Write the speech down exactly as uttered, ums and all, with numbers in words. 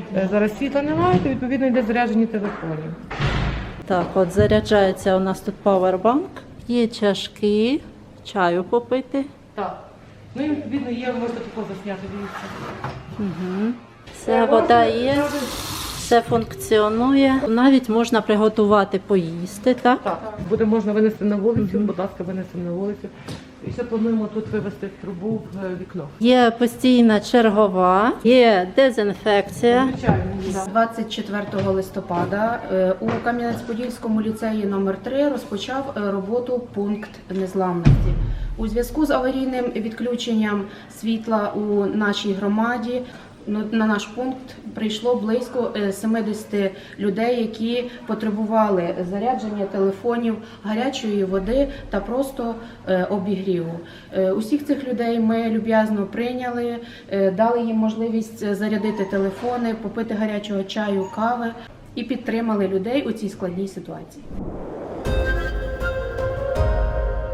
Е, Зараз світла немає, то відповідно йде заряджені телефонів. Так, от заряджається у нас тут павербанк, є чашки, чаю попити. Так. Ну і відповідно є, можете тако засняти, дивіться. Угу. Все, вода є, все функціонує. Навіть можна приготувати поїсти, так? Так, буде можна винести на вулицю, будь ласка, винесемо на вулицю. І ще плануємо тут вивести трубу в вікно. Є постійна чергова, є дезінфекція. Звичайно, З двадцять четвертого листопада е, у Кам'янець-Подільському ліцеї номер три розпочав е, роботу пункт незламності. У зв'язку з аварійним відключенням світла у нашій громаді ну, на наш пункт прийшло близько е, сімдесят людей, які потребували зарядження телефонів, гарячої води та просто е, обігріву. Е, Усіх цих людей ми люб'язно прийняли, е, дали їм можливість зарядити телефони, попити гарячого чаю, кави і підтримали людей у цій складній ситуації.